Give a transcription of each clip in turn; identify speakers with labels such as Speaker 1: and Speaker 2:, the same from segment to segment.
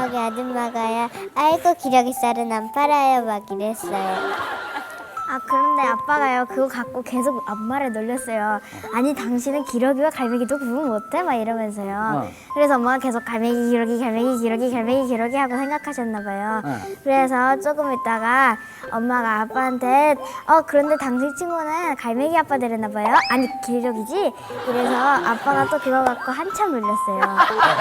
Speaker 1: 거기 아줌마가요. 아이고 기러기 쌀은 안 팔아요 막 이랬어요. 아 그런데 아빠가요 그거 갖고 계속 엄마를 놀렸어요. 아니 당신은 기러기와 갈매기도 구분 못해? 막 이러면서요. 그래서 엄마가 계속 갈매기 기러기 갈매기 기러기 갈매기 기러기 하고 생각하셨나 봐요. 그래서 조금 있다가 엄마가 아빠한테 그런데 당신 친구는 갈매기 아빠 되렸나 봐요. 아니 기러기지? 그래서 아빠가 또 그거 갖고 한참 놀렸어요.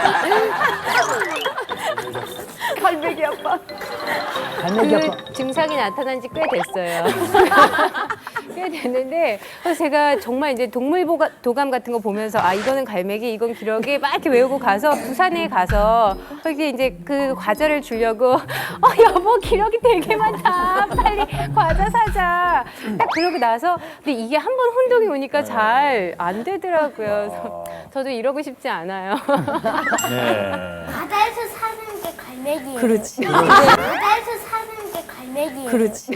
Speaker 2: 갈매기 아빠.
Speaker 3: 그 증상이 나타난 지 꽤 됐어요. 꽤 됐는데 그래서 제가 정말 이제 도감 같은 거 보면서 아 이거는 갈매기 이건 기러기 막 이렇게 외우고 가서 부산에 가서 거기 이제 그 과자를 주려고 여보 기러기 되게 많다 빨리 과자 사자 딱 그러고 나서 근데 이게 한 번 혼동이 오니까 잘 안 되더라고요. 그래서 저도 이러고 싶지 않아요.
Speaker 4: 네.
Speaker 1: 바다에서 사는 게 갈매기예요.
Speaker 3: 그렇지.
Speaker 1: 바다에서 사는 게 갈매기예요.
Speaker 3: 그렇지.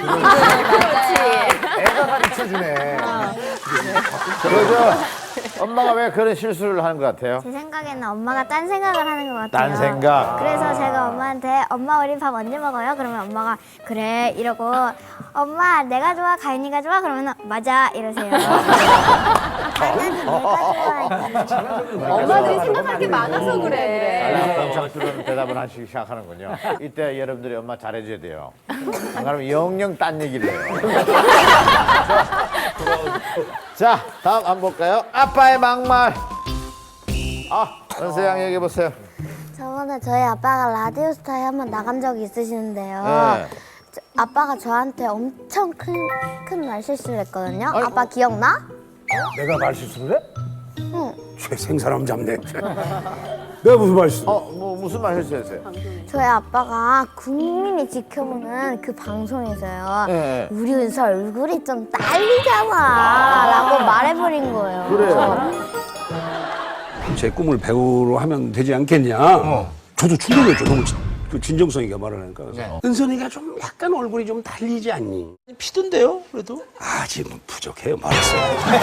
Speaker 4: 애가 가르쳐주네. 그죠? 엄마가 왜 그런 실수를 하는 것 같아요?
Speaker 1: 제 생각에는 엄마가 딴 생각을 하는 것 같아요.
Speaker 4: 딴 생각.
Speaker 1: 그래서 제가 엄마한테 엄마 우리 밥 언제 먹어요? 그러면 엄마가 그래 이러고 엄마 내가 좋아 가인이가 좋아? 그러면 맞아 이러세요. 아빠는 내가 좋아.
Speaker 2: 엄마들이 생각할 게 많아서 그래.
Speaker 4: 공창스러운 대답을 하시기 시작하는군요. 이때 여러분들이 엄마 잘해줘야 돼요. 안 그러면 영영 딴 얘기를 해요. 자, 다음 한번 볼까요? 아빠의 막말. 은서양 얘기해보세요.
Speaker 1: 저번에 저희 아빠가 라디오스타에 한번 나간 적이 있으시는데요.
Speaker 4: 네.
Speaker 1: 아빠가 저한테 엄청 큰 말실수를 했거든요.
Speaker 4: 아니,
Speaker 1: 아빠 기억나?
Speaker 5: 내가 말실수를 해?
Speaker 1: 응.
Speaker 5: 최생 사람 잡네. 내가 무슨 말실수?
Speaker 4: 무슨 말 했어요?
Speaker 1: 저희 아빠가 국민이 지켜보는 그 방송에서요.
Speaker 4: 네.
Speaker 1: 우리 은서 얼굴이 좀 딸리잖아 라고 말해버린 거예요.
Speaker 4: 그래요.
Speaker 5: 제 꿈을 배우로 하면 되지 않겠냐? 저도 충격이었죠. 너무 그 진정성이가 말을 하니까. 그래서 은선이가 좀 약간 얼굴이 좀 달리지 않니?
Speaker 6: 피던데요, 그래도?
Speaker 5: 아직 부족해요. 말했어요.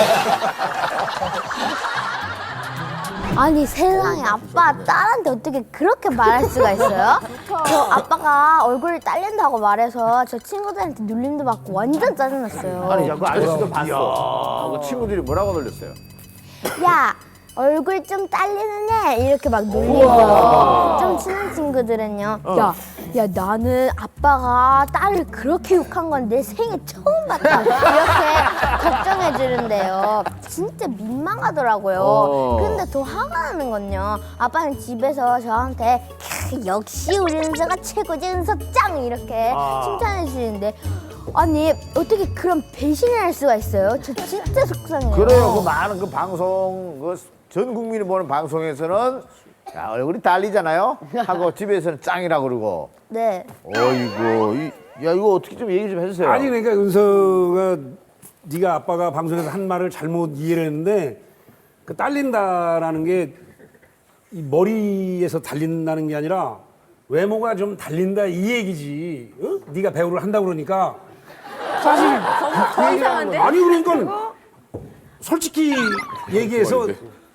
Speaker 1: 아니 세상에 아빠 딸한테 어떻게 그렇게 말할 수가 있어요? 저 아빠가 얼굴이 딸린다고 말해서 저 친구들한테 눌림도 받고 완전 짜증났어요.
Speaker 4: 아니, 그 아저씨도 봤어. 그 친구들이 뭐라고 놀렸어요?
Speaker 1: 야 얼굴 좀 딸리는 애 이렇게 막 놀리고 좀 친한 친구들은요 야 나는 아빠가 딸을 그렇게 욕한 건 내 생애 처음 봤다 이렇게 걱정해 주는데요. 진짜 민망하더라고요. 근데 더 화가 나는 건요 아빠는 집에서 저한테 역시 우리 은서가 최고지 은서 짱 이렇게 칭찬해 주시는데 아니 어떻게 그런 배신을 할 수가 있어요? 저 진짜 속상해요.
Speaker 4: 그래요. 그 많은 그 방송, 전 국민이 보는 방송에서는 야, 얼굴이 달리잖아요? 하고 집에서는 짱이라고 그러고.
Speaker 1: 네.
Speaker 4: 어이구, 야, 이거 어떻게 좀 얘기 좀 해주세요.
Speaker 5: 아니 그러니까 은서가 네가 아빠가 방송에서 한 말을 잘못 이해를 했는데 그 딸린다라는 게 이 머리에서 달린다는 게 아니라 외모가 좀 달린다 이 얘기지. 어? 네가 배우를 한다고 그러니까 사실
Speaker 2: 더 이상한데?
Speaker 5: 아니 그러니까 솔직히 얘기해서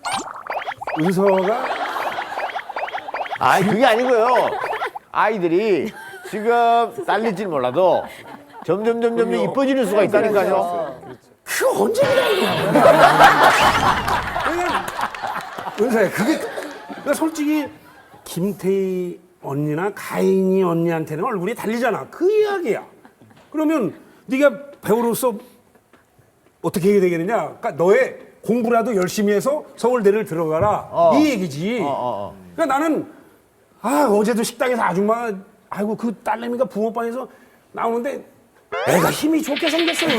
Speaker 5: 은서가
Speaker 4: 아니, 그게 아니고요. 아이들이 지금 딸릴지는 몰라도 점점 이뻐지는 수가 있다니까요.
Speaker 5: 그 언제 그래? 은서야 그게 그러니까 솔직히 김태희 언니나 가인이 언니한테는 얼굴이 달리잖아. 그 이야기야. 그러면 네가 배우로서 어떻게 해야 되겠느냐? 그러니까 너의 공부라도 열심히 해서 서울대를 들어가라 이 얘기지. 그러니까 나는 어제도 식당에서 아줌마가 아이고 그 딸내미가 붕어빵에서 나오는데 애가 힘이 좋게 생겼어요.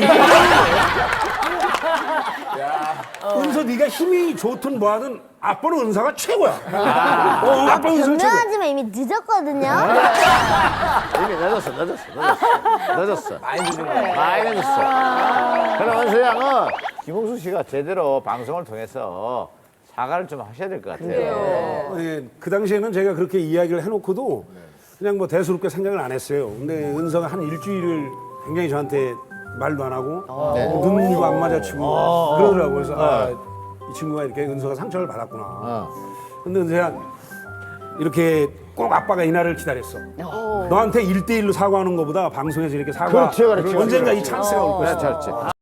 Speaker 5: 은서 네가 힘이 좋든 뭐하든 아빠는 은서가 최고야. 아빠 은서 최고.
Speaker 1: 변명하지만 이미 늦었거든요.
Speaker 4: 이미 늦었어. 많이 늦었어. 그럼 은서 양은 김홍수 씨가 제대로 방송을 통해서 사과를 좀 하셔야 될 것 같아요.
Speaker 5: 예, 그 당시에는 제가 그렇게 이야기를 해놓고도 그냥 뭐 대수롭게 생각을 안 했어요. 근데 은서가 한 일주일을 굉장히 저한테 말도 안 하고 눈도 안 마주치고 그러더라고요. 그래서 이 친구가 이렇게 은서가 상처를 받았구나. 근데 은서야 이렇게 꼭 아빠가 이날을 기다렸어. 너한테 1대1로 사과하는 것보다 방송에서 이렇게 사과
Speaker 4: 그렇지, 그렇지,
Speaker 5: 언젠가
Speaker 4: 그렇지.
Speaker 5: 이 찬스가 올 것이다.
Speaker 4: 그렇지, 그렇지.